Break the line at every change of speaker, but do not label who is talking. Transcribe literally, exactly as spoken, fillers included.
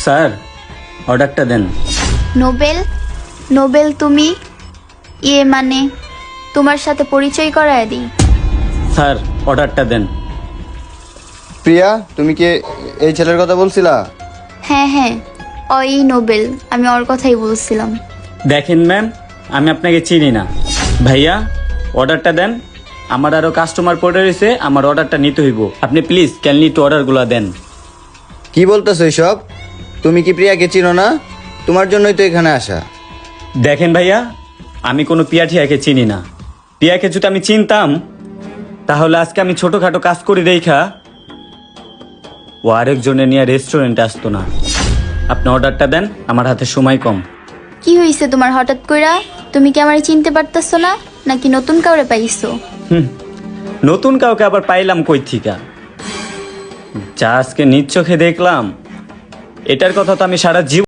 Sir অর্ডারটা দেন।
Nobel Nobel তুমি ইয়ে মানে তোমার সাথে পরিচয় করায় দিই।
স্যার অর্ডারটা দেন।
প্রিয়া, তুমি কি এই ছেলের কথা বলছিলা?
হ্যাঁ হ্যাঁ ওই নোবেল, আমি ওর কথাই বলছিলাম।
দেখেন ম্যাম, আমি আপনাকে চিনি না। ভাইয়া অর্ডারটা দেন, আমার আরও কাস্টমার পড়ে রয়েছে, আমার অর্ডারটা নিতে হইব। আপনি প্লিজ ক্যানলি টু অর্ডারগুলো দেন।
কি বলতেছো এইসব? তুমি কি প্রিয়াকে চিনো না? তোমার জন্যই তো এখানে আসা।
দেখেন ভাইয়া, আমি কোনো পিয়া ঠিয়াকে চিনি না। পিয়াকে যদি আমি চিনতাম তাহলে আজকে আমি ছোটোখাটো কাজ করি দেখা ও আরেকজনে নিয়ে রেস্টুরেন্টে আসতো না। আপনি অর্ডারটা দেন, আমার হাতে সময় কম।
কি হয়েছে তোমার হঠাৎ কইরা? তুমি কি আমারে চিনতে পারতেছো না, নাকি নতুন কাউরে পাইছো?
হুম, নতুন কাউকে আবার পাইলাম কই থিকা? যা আজকে নিজ চোখে দেখলাম, এটার কথা তো আমি সারা জীবন